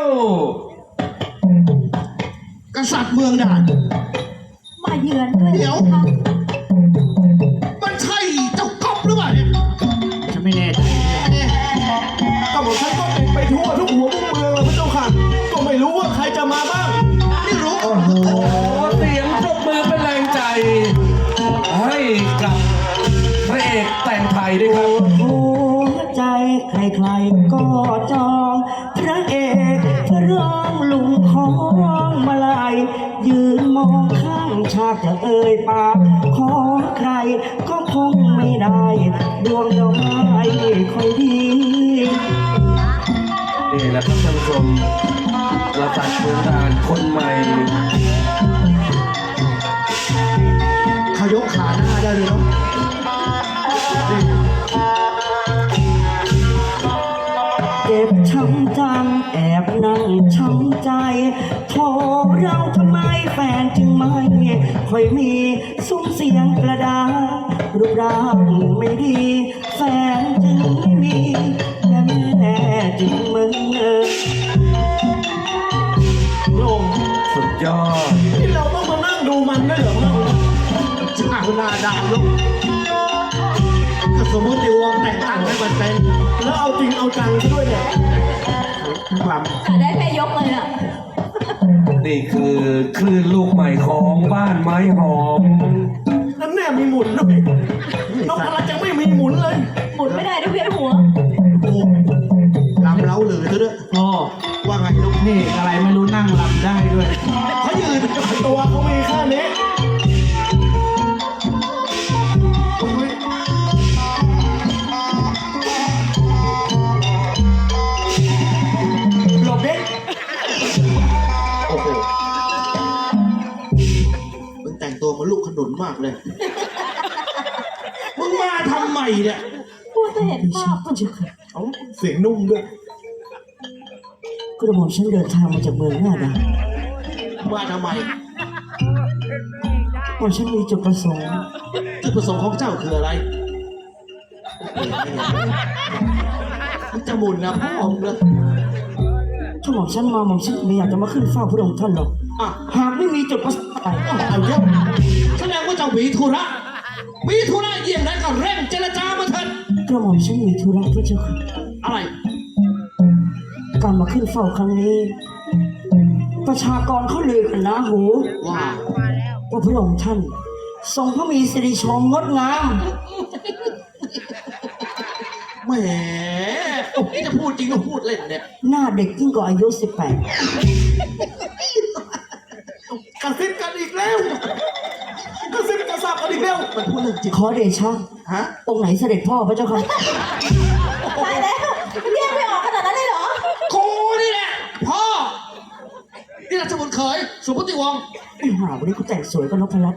กษัตริย์เมืองด่านมาเยือนด้วยเดี๋ยวค่ะมันใช่เจ้าก๊อฟหรือเปล่าเนี่ยฉันไม่แน่ใจก็บอกฉันก็ไปทั่วทุกหัวมุมเมืองเลยพระเจ้าค่ะก็ไม่รู้ว่าใครจะมาบ้างไม่รู้โอ้โหเสียงปรบมือเป็นแรงใจ ให้กับพระเอกแต่งไทยด้วยครับหัวใจใครๆก็จองพระเอกพระรองลุงของมาลายยืนมองข้างฉากจะเอ่ยปากขอใครก็คงไม่ได้ดวงดอกไม้ค่อยดีนี่แหละครับท่านผู้ชมกษัตริย์เมืองด่านคนใหม่เขายกขาหน้าได้เลยเนาะนี่เจ็บช้ำจังแอบนั่งช้ำใจโทรเราทำไมแฟนจึงไม่ค่อยมีซุ้มเสียงกระดาษรูปร่างไม่ดีแฟนจึงไม่มีแม่จึงมึงโลงสุดยอดที่เราต้องมานั่งดูมันได้เหรอช่างหน้าด่านลูกก็สมมติวงแต่งตั้งให้มันเป็นแล้วเอาจริงเอาจังซะด้วยเนี่ยลได้แค่ยกเลยอ่ะนี่คือคลื่นลูกใหม่ของบ้านไม้หอมำนั่นแน่มีหมุนด้วยนกพลัดยังไม่มีหมุนเลยหมุนไม่ได้ด้วยเวียนหัวโอ้ลำเล้าหรือซะด้วยพ่อว่าไงลูกเพลงอะไรไม่รู้นั่งรำได้ด้วยเขายืนตัวเขามีแค่นี้โอ้ยหลบเด็กโอ้โหมึงแต่งตัวเหมาลูกขนุนมากเลย มึงมาทำไมเนี่ยพูดจะเห็นภาพพระเจ้าค่ะเอาเสียงนุ่มด้วยกระหม่อมฉันเดินทางมาจากเมืองหน้าด่านมาทำไมหม่อมฉันมีจุดประสงค์จุดประสงค์ของเจ้าคืออะไรมันจะหมุนนะพ่อมึงเลยถ้าหม่อมฉันมาหม่อมฉันไม่อยากจะมาขึ้นเฝ้าพระองค์ท่านหรอกอ่ะหากไม่มีจุดประสงค์อะไรเอาเยอะแสดงว่าเจ้ามีธุระมีธุระเยี่ยงนั้นก็เร่งเจรจามาเถิดกระหม่อมฉันมีธุระพระเจ้าค่ะอะไรการมาขึ้นเฝ้าครั้งนี้ ประชากรเขาลือกันนะหูว่าว่าพระองค์ท่านทรงพระมีสิริโฉมงดงามแหมนี่จะพูดจริงก็พูดเล่นเนี่ยหน้าเด็กยิ่งกว่าอายุกระซิบกันอีกแล้วกระซิบกระซาบกันอีกแล้วมันพูดเรื่องจริง 18 ขอเดชะฮะองค์ไหนเสด็จพ่อพระเจ้าค่ะตายแล้วเรียกไม่ออกขนาดนั้นเลยเหรอกูนี่แหละพ่อนี่ราชบุตรเขยสุภติวงศ์ไอ้ห่าวันนี้กูแต่งสวยก็นพรัตน์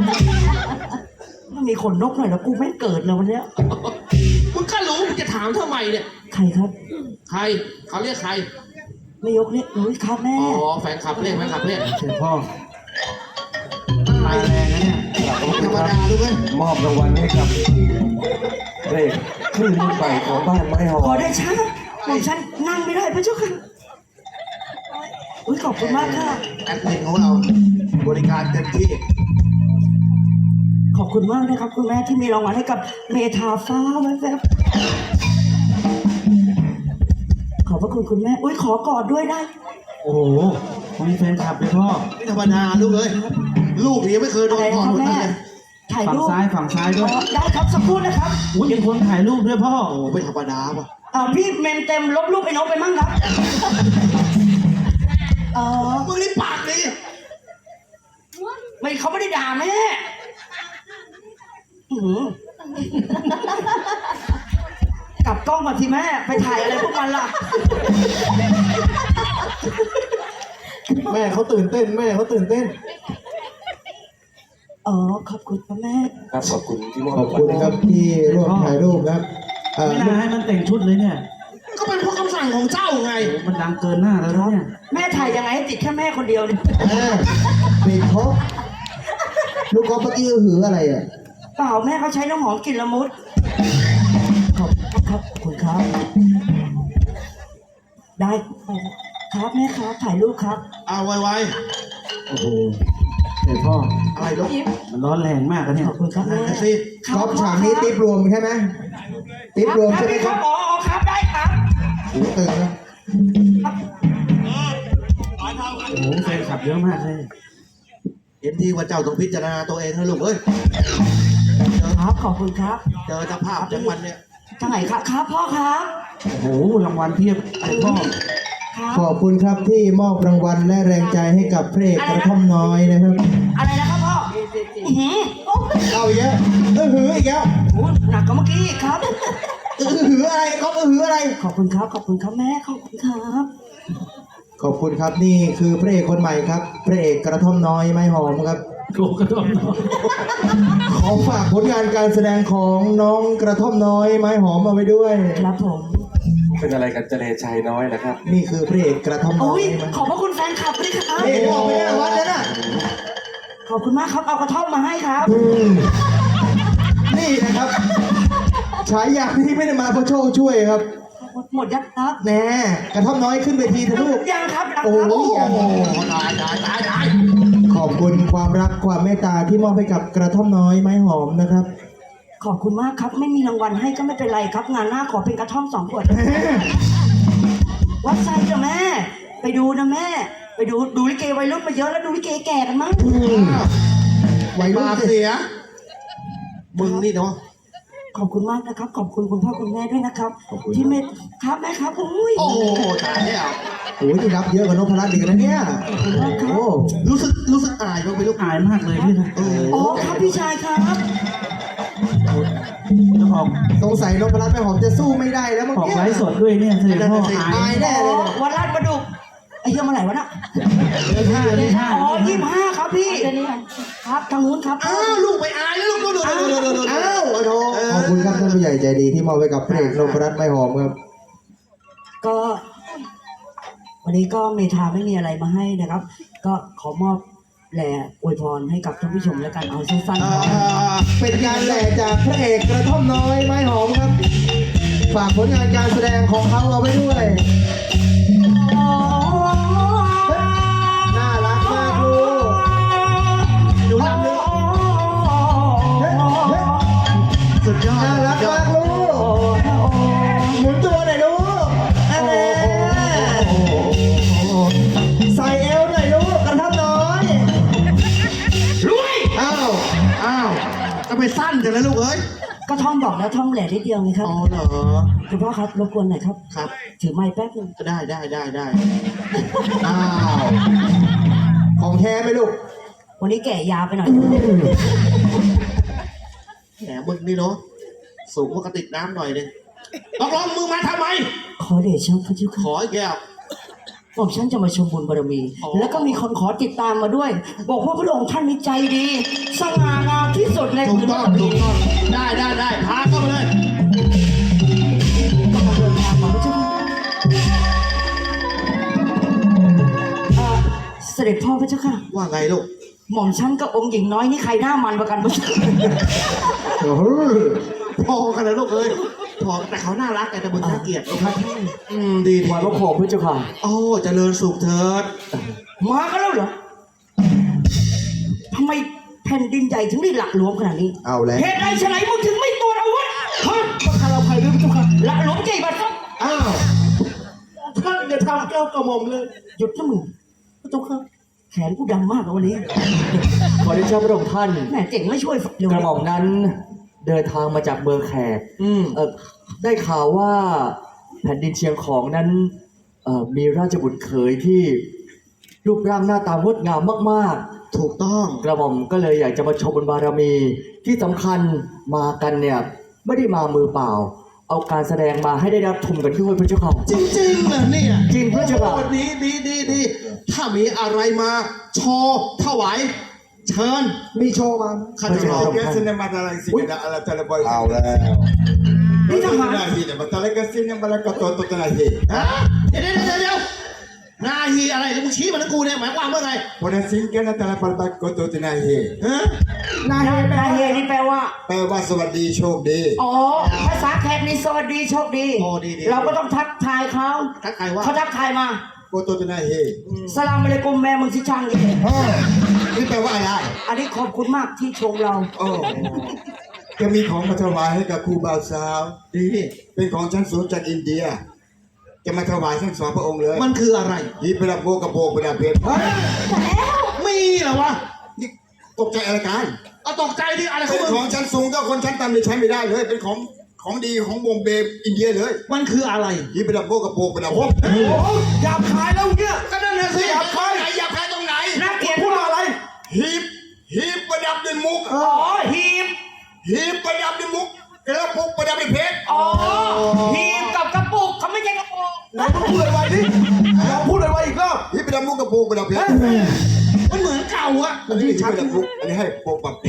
มันมีขนนกหน่อยแล้วกูไม่เกิดเลยวันเนี้ยมึงก็รู้มึงจะถามทำไมเนี่ยใครครับใครเขาเรียกใครไม่ยกเนี่ยอุ้ยครับแม่อ๋อแฟนคลับเรียกแฟนคลับเรียกเชิญพ่อมาแรงนะเนี่ยไม่ธรรมดาด้วยมอบรางวัลให้กับพระเอกคลื่นลูกใหม่ของบ้านไม้หอขอมเดชะผมฉันนั่งไม่ได้พระเจ้าค่ะอุ้ยขอบคุณมากค่ะแอดมินของเราบริการเต็มที่ขอบคุณมากนะครับคุณแม่ที่มีรางวัลให้กับเมธาฟ้าแว๊บๆขอบพระคุณคุณแม่อุ้ยขอกอดด้วยได้โอ้โหมีแฟนคลับเลยพ่อไม่ธรรมดาลูกเอ้ยลูกนี่ไม่เคยโดอะไรนก่อนนะคนแม่นั้นเลยถ่ายฝั่งรูปซ้ายฝั่งซ้ายด้วยได้ครับสักครู่นะครับอุ้ยเป็นคนถ่ายรูปด้วยพ่อโอ้ไม่ธรรมดาว่ะพี่เมมเต็มลบรูปไอ้นกไปมั่งครับเออมึงนี่ปากดีไม่เขาไม่ได้ด่าแม่อื้อหือกลับกล้องก่อนทีแม่ไปถ่ายอะไรพวกมันล่ะแม่เขาตื่นเต้นแม่เขาตื่นเต้นอ๋อขอบคุณพ่อแม่ครับขอบคุณที่มอบขอบคุณนะครับที่ร่วมถ่ายรูปครับไม่น่าให้มันแต่งชุดเลยเนี่ยก็เป็นเพราะคำสั่งของเจ้าไงโอ้มันดังเกินหน้าแล้วนะเนี่ยแม่ถ่ายยังไงให้ติดแค่แม่คนเดียวเนี่ยปิดครบลูกกอล์ฟเมื่อกี้หืออะไรอ่ะเปล่าแม่เขาใช้น้ำหอมกลิ่นละมุดขอบคุณครับขอบคุณครับ ได้ครับแม่ครับถ่ายรูปครับเอาไวโอ้โหเดี๋ยวพ่อๆอะไรลูกยิ้มมันร้อนแรงมากอะเนี่ยขอบคุณครับแม่นั่นสิก๊อฟฉากนี้ติ๊บรวมใช่ไหมติ๊บรวมใช่ไหมครับอ๋อครับได้ครับหูตึงนะโอ้โหแฟนคลับเยอะมากเลยเห็นทีว่าเจ้าต้องพิจารณาตัวเองนะลูกเอ้ยครับขอบคุณครับเจอสภาพจังวันเนี่ยทางไหนครับครับพ่อครับโอ้โหรางวัลเพียบเลยพ่อครับขอบคุณครับที่มอบรางวัลและแรงใจให้กับพระเอกกระท่อมน้อยนะครับอะไรนะครับพ่ออื้อหือโอ้เอาอีกแล้วหืออีกแล้วโหหนักกว่าเมื่อกี้อีกครับหืออะไรก๊อฟหืออะไรขอบคุณครับขอบคุณครับแม่ขอบคุณครับขอบคุณครับนี่คือพระเอกคนใหม่ครับพระเอกกระท่อมน้อยไม้หอมครับโกกระท่อมน้อยขอฝากผลงานการแสดงของน้องกระท่อมน้อยไม้หอมเอาไว้ด้วยครับผมเป็นอะไรกันเจเลชัยน้อยนะครับนี่คือพระเอกกระท่อมน้อโอ้ยยไม้หขออบมพระคุณแฟนคลับด้วยครับนี่ออกไปได้วัดแล้วน่ะขอบคุณมากครับเอากระท่อมมาให้ครับนี่นะครับฉายาที่ไม่ได้มาเพราะโชคช่วยครับหมดยักษ์ครับแน่กระท่อมน้อยขึ้นเวทีเถอะลูกยังครับยังโอ้ครับโหโอ้ตายขอบคุณความรักความเมตตาที่มอบให้กับกระท่อมน้อยไม้หอมนะครับขอบคุณมากครับไม่มีรางวัลให้ก็ไม่เป็นไรครับ งานหน้าขอเป็นกระท่อม2 ขวดวัดไซด์จ้ะแม่ ไปดูนะแม่ ไปดูลิเกวัยรุ่นมาเยอะแล้วดูลิเกแก่กันมั้งวัยรุ่นปากสิเสีย มึงนี่เนาะขอบคุณมากนะครับ ขอบคุณคุณพ่อคุณแม่ด้วยนะครับ ที่เมตครับแม่ครับโอ้ยโอ้โหตายแล้วโอ้ยที่รับเยอะกว่านพรัตน์อีกนะเนี่ยขอบคุณมากครับโอ้รู้สึกอายบ้างไหมลูกอายมากเลยพี่นะอ๋อครับพี่ชายครับจะออกสงสัยนพรัตน์ไม้หอมจะสู้ไม่ได้แล้วมั้งออกเนี่ยไลฟ์สดด้วยเนี่ยเสด็จพ่ออายอายแน่เลยเนี่ยวันลาดประดุกไอ้เหี้ยเมื่อไหร่วะน่ะเลขห้าอ๋อ25ครับพี่เดี๋ยวนี้ก่อนครับทางนู้นครับอ้าวลูกไปอายแล้วลูกดูอ้าวโอ้โหขอบคุณครับท่านผู้ใหญ่ใจดีที่มอบไว้กับพระเอกนพรัตน์ไม้หอมครับก็ วันนี้ก็เมธาไม่มีอะไรมาให้นะครับ ก็ขอมอบแหล่อวยพรให้กับท่านผู้ชมแล้วกันเอาสั้นๆครับเป็นการแหล่จากพระเอกกระท่อมน้อยไม้หอมครับ ฝากผลงานการแสดงของเขาเอาไว้ด้วย น่ารักมากลูกอยู่ลำนึงเฮ้ยเฮ้ยสุดยอดน่ารักมากลูก หมุนตัวหน่อยลูกอันนี้ใส่เอวหน่อยลูกกระท่อมน้อยลุยอ้าวจะไปสั้นจังเลยลูกเอ้ยก็ท่องบอกแล้วท่องแหล่นิดเดียวไงครับอ๋อเหรอคุณพ่อครับรบกวนหน่อยครับครับถือไม้แป๊บนึงได้อ้าวของแท้ไหมลูกวันนี้แก่ยาวไปหน่อยแหมมึงนี่เนาะสูงกว่ากระติกน้ำหน่อยนึงตกลงมึงมาทำไมขอเดชะพระเจ้าขค่ะออีกแก้วผมฉันจะมาชมบุญบารมีอ๋อแล้วก็มีคนขอติดตามมาด้วย บอกว่าพระองค์ท่านนี้ใจดี สง่างามที่สุดในถูกพื้นต้องแผ่นดิถูนกต้องได้พาเข้ามาเลยก็มาเดินทางมาพระเจ้าค่ะเสด็จพ่อพระเจ้าค่ะว่าไงลูกหม่อมฉันกับองค์หญิงน้อยนี่ใครหน้ามันประกันพระเจ้าค่ะโอ้โหพอกันเลยลูกเอ้ยพอแต่เขาน่ารักแต่มึงน่าเกลียดลูกครับดีถวายพระโคมพระเจ้าค่ะโอ้เจริญสุขเถิดมากันแล้วเหรอทำไมแผ่นดินใหญ่ถึงได้หลักหลวมขนาดนี้เอาแล้วเหตุใดฉะไหนมึงถึงไม่ตรวจอาวุธฮะประคาเราใครด้วยพระเจ้าค่ะหลักหลวมใจบัดครับอ้าวท่านอย่าทำแก้วกระหม่อมเลยหยุดนะมึงพระเจ้าค่ะแขนกูดำมากเลยวันนี้ขอได้เจ้าพระองค์ท่านแม่เจ๋งไม่ช่วยเร็วกระหม่อมนั้นเดินทางมาจากเมืองแขกได้ข่าวว่าแผ่นดินเชียงของนั้นมีราชบุตรเขยที่รูปร่างหน้าตางดงามมากถูกต้องๆ กระหม่อมก็เลยอยากจะมาชมบุญบารมีที่สำคัญมากันเนี่ยไม่ได้มามือเปล่า เอาการแสดงมาให้ได้รับชมกันด้วยพระเจ้าค่ะจริงๆเหรอเนี่ยจริงพระเจ้าค่ะโอ้ดีถ้ามีอะไรมาโชว์ถวายเชิญมีโชว์มาข้าจะรอพระเจ้าค่ะเอาแล้วนี่ทหารฮะเดี๋ยวนาฮีอะไรแล้วมึงชี้มาทั้งกูเนี่ยหมายความว่าไงฮะนาเฮนี่แปลว่าแปลว่าสวัสดีโชคดีอ๋อ ภาษาแขกนี่สวัสดีโชคดีโอ้ดีเราก็ต้องทักทายเขาทักใครว่าเขาทักทายมาโกโตจะนายเฮสลามอะลัยกุมแม่มึงสิช่างเองนี่แปลว่าอะไรอันนี้ขอบคุณมากที่ชมเราโอ้จะมีของมาถวายให้กับครูบ่าวสาวดีเป็นของชั้นสูงจากอินเดีย จะมาถวายทั้งสองพระองค์เลยมันคืออะไรยีประดับโบกระโบกประดับเพชรมีเหรอวะนี่ตกใจอะไรกันเอาตกใจดิอะไรขอเป็งนมึงของชั้นสูงก็คนชั้นต่ำนี่ใช้ไม่ได้เลย เป็นของดีของบงเบย์อินเดียเลยมันคืออะไรยีประดับโบกระโบกประดับเพชรโอ้โหหยาบคายแล้วเนี่ยก็นั่นน่ะสิหยาบคายไหนหยาบคายตรงไหนน่าเกลียดพูดว่าอะไรหีบประดับด้วยมุกอ๋อหีบหีบประดับด้วยมุกกระปุกประดับด้วยเพชรอ๋อหีบกับกระปุกเขาไม่ใช่กระปุกไหนมึงพูดไวๆดิลองพูดไวๆอีกรอบหีบประดับมุกกระปุกประดับเพชรมันเหมือนเก่าอะอันนี้หีบประดับมุกอันนี้ให้โปกปับ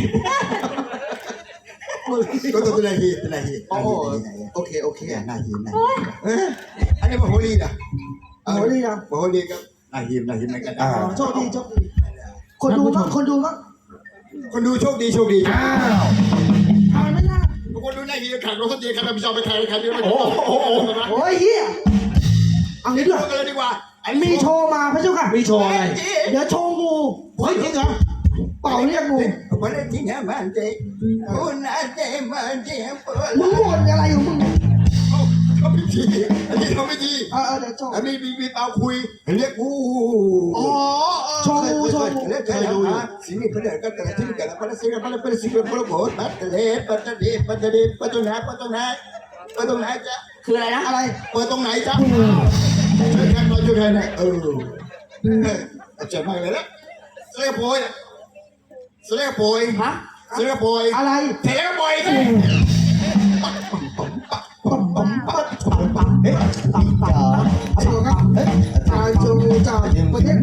ก็ตัวเป็นอะไรหีบเป็นอะไรหีบโอ้โหโอเคโอเคหน้าหีบหน้าหีบอันนี้มโหรีนะโหรีนะมโหรีก็หน้าหีบเหมือนกันโชคดีโชคดีคนดูมั้งคนดูมั้งคนดูโชคดีโชคดีทำไมไม่น่าคนดูหน้าหีบขังรถสตีขังพิจารณาไปใครใครไม่รู้โอ้โหโอ้ยเฮียเอางี้ดูด้วยกันเลยดีกว่ามีโชว์มาพระเจ้าค่ะมีโชว์อะไรเดี๋ยวโชว์งูเฮ้ยจริงเหรอเป่าเรียกงูวันนี้ที่ไหนมันเจ๊คุณอาเจ๊มันเจ๊เปิดมึงบ่นอะไรของมึงเขาไม่ดีอันนี้เขาไม่ดีเดี๋ยวโชว์อันนี้มีเปาคุยเรียกกูอ๋อโชว์งูโชว์งูเรียกเคยดูอยู่สิ่งนี้เป็นเรื่องก็แต่ที่กันแล้วเป็นสิ่งนั้นเป็นสิ่งเป็นพระโบสถ์ปัตตะเลปัตตะเลปัตตะเลปัตตะนาปัตตะนาปัตตะนาจ๊ะคืออะไรนะอะไรเปิดตรงไหนจ๊ะช่วยกันหน่อยช่วยกันหน่อยเจ็บมากเลยนะเสียโปยเสียโปยฮะเสียโปยอะไรเสียโปยเฮ้ยต่างๆเฮ้ยอาชูครับเฮ้ยอาชูจากประเทศ